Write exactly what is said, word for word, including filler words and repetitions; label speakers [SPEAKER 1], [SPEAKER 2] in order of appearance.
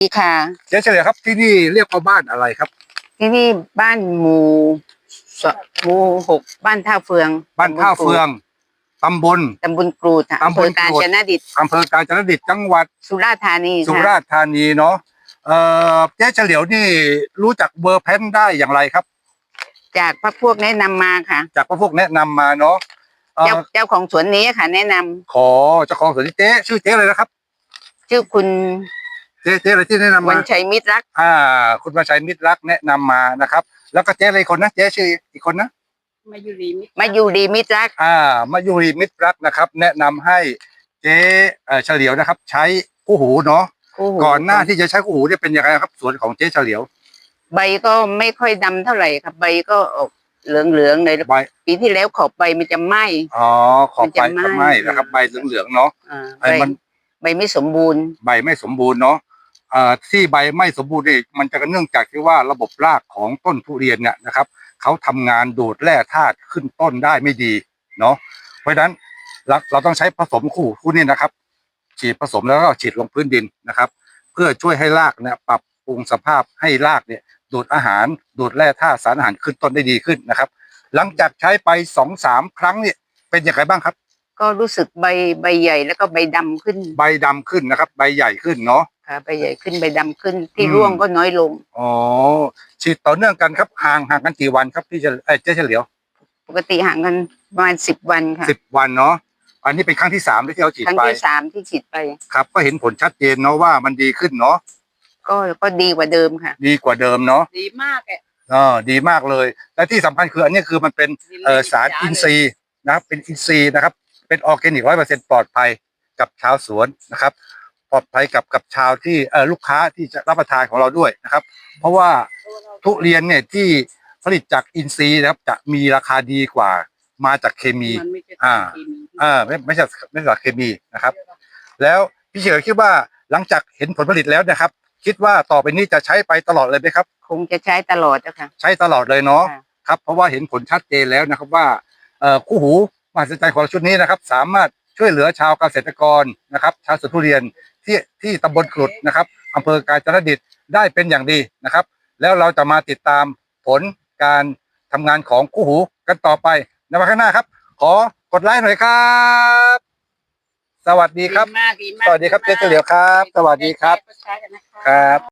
[SPEAKER 1] ดีค่ะ
[SPEAKER 2] เจ๊เฉลียวครับที่นี่เรียกว่าบ้านอะไรครับ
[SPEAKER 1] ที่นี่บ้านหมู่สหมู่หกบ้านท่าเฟือง
[SPEAKER 2] บ้านท่าเฟืองตำบล
[SPEAKER 1] ตำบลกรูดค่ะอำ
[SPEAKER 2] ตำบล
[SPEAKER 1] เภอกาญจนดิต
[SPEAKER 2] อำเภอกาญจนดิตจังหวัด
[SPEAKER 1] สุราษฎร์ธานี
[SPEAKER 2] สุ
[SPEAKER 1] ค่ะ
[SPEAKER 2] ราษฎร์ธานีเนาะเอ่อเจ๊เฉลียวนี่รู้จักเบอร์แพนได้อย่างไรครับ
[SPEAKER 1] จากพรรคพวกแนะนำมาค่ะ
[SPEAKER 2] จากพวกแนะนำมาเนาะ
[SPEAKER 1] เจ้าเจ้าของสวนนี้ค่ะ แนะนำ
[SPEAKER 2] ขอเจ้าของสวนเจ๊ชื่อเจ๊อะไรนะครับ
[SPEAKER 1] ชื่อคุณ
[SPEAKER 2] เจ๊เจ๊อะไรที่แนะนำ
[SPEAKER 1] วั
[SPEAKER 2] มา
[SPEAKER 1] ญชัยมิตรรัก
[SPEAKER 2] อ่าคุณวันชัยมิตรรักแนะนำมานะครับแล้วก็เจ๊อะไรคนนะเจ๊ชื่ออีกคนนะ
[SPEAKER 1] มายูรีมิตรมายูรีมิตรรัก
[SPEAKER 2] อ่ามายุรีมิตรรักนะครับแนะนำให้เจ๊เฉลียวนะครับใช้คู่หูเนาะก่อนหน้าที่จะใช้คู่หูเนี่ยเป็นยังไงครับสวนของเจ๊เฉลียว
[SPEAKER 1] ใบก็ไม่ค่อยดำเท่าไหร่ครับใบก็ออกเหลืองๆเลย
[SPEAKER 2] ใบ
[SPEAKER 1] ปีที่แล้วขอบใบมันจะไหม้
[SPEAKER 2] อ๋อขอบใบจะไหม้นะครับใบเหลืองๆเนาะ
[SPEAKER 1] ใบมันใบไม่สมบูรณ์
[SPEAKER 2] ใบไม่สมบูรณ์เนาะเอ่อที่ใบไม่สมบูรณ์นี่มันจะเนื่องจากที่ว่าระบบรากของต้นทุเรียนเนี่ยนะครับเขาทำงานดูดแร่ธาตุขึ้นต้นได้ไม่ดีเนาะเพราะฉะนั้นเราเราต้องใช้ผสมคู่คู่นี้นะครับฉีดผสมแล้วก็ฉีดลงพื้นดินนะครับเพื่อช่วยให้รากเนี่ยปรับปรุงสภาพให้รากเนี่ยดูดอาหารดูดแร่ธาตุสารอาหารขึ้นต้นได้ดีขึ้นนะครับหลังจากใช้ไปสองสามครั้งเนี่ยเป็นอย่างไรบ้างครับ
[SPEAKER 1] ก็รู้สึกใบใบใหญ่แล้วก็ใบดำขึ้น
[SPEAKER 2] ใบดำขึ้นนะครับใบใหญ่ขึ้นเนาะ
[SPEAKER 1] ค่ะใบใหญ่ขึ้นใบดำขึ้นที่ร่วงก็น้อยลง
[SPEAKER 2] อ๋อฉีดต่อเนื่องกันครับห่างห่างกันกี่วันครับพี่จะเอ้เจ๊เฉลียว
[SPEAKER 1] ปกติห่างกันประมาณสิบวันค่ะ
[SPEAKER 2] สิบวันเนาะอันนี้เป็นครั้งที่สามที่เราฉีดไป
[SPEAKER 1] ครั้งที่สามที่ฉีดไป
[SPEAKER 2] ครับก็เห็นผลชัดเจนเนาะว่ามันดีขึ้นเนาะ
[SPEAKER 1] ก็ก็ดีกว่าเดิมค่ะ
[SPEAKER 2] ดีกว่าเดิมเนาะ
[SPEAKER 1] ดีมากอ่ะ
[SPEAKER 2] อ๋อดีมากเลยและที่สำคัญคืออันนี้คือมันเป็นเอ่อสารอินทรีย์นะครับเป็นอินทรีย์นะครับเป็นออร์แกนิกร้อยเปอร์เซ็นต์ปลอดภัยกับชาวสวนนะครับปลอดภัยกับกับชาวที่เอ่อลูกค้าที่จะรับประทานของเราด้วยนะครับเพราะว่าทุเรียนเนี่ยที่ผลิตจากอินทรีย์นะครับจะมีราคาดีกว่ามาจากเคมีอ่าอ่าไม่ไม่ใช่ไม่ใช่เคมีนะครับแล้วพี่เฉยคิดว่าหลังจากเห็นผลผลิตแล้วนะครับคิดว่าต่อไปนี้จะใช้ไปตลอดเลยไหมครับ
[SPEAKER 1] คงจะใช้ตลอดนะคะ
[SPEAKER 2] ใช้ตลอดเลยเนาะครับเพราะว่าเห็นผลชัดเจนแล้วนะครับว่าเอ่อคู่หูมหัศจรรย์ของชุดนี้นะครับสามารถช่วยเหลือชาวเกษตรกรนะครับชาวสวนทุเรียนที่ที่ตำบลกรุดนะครับอำเภอกาญจนดิตได้เป็นอย่างดีนะครับแล้วเราจะมาติดตามผลการทำงานของคู่หูกันต่อไปในวันข้างหน้าครับขอกดไลค์หน่อยครับสวัสดีครับสวัสดีครับเจ๊เฉลียวครับสวัสดีครับครับ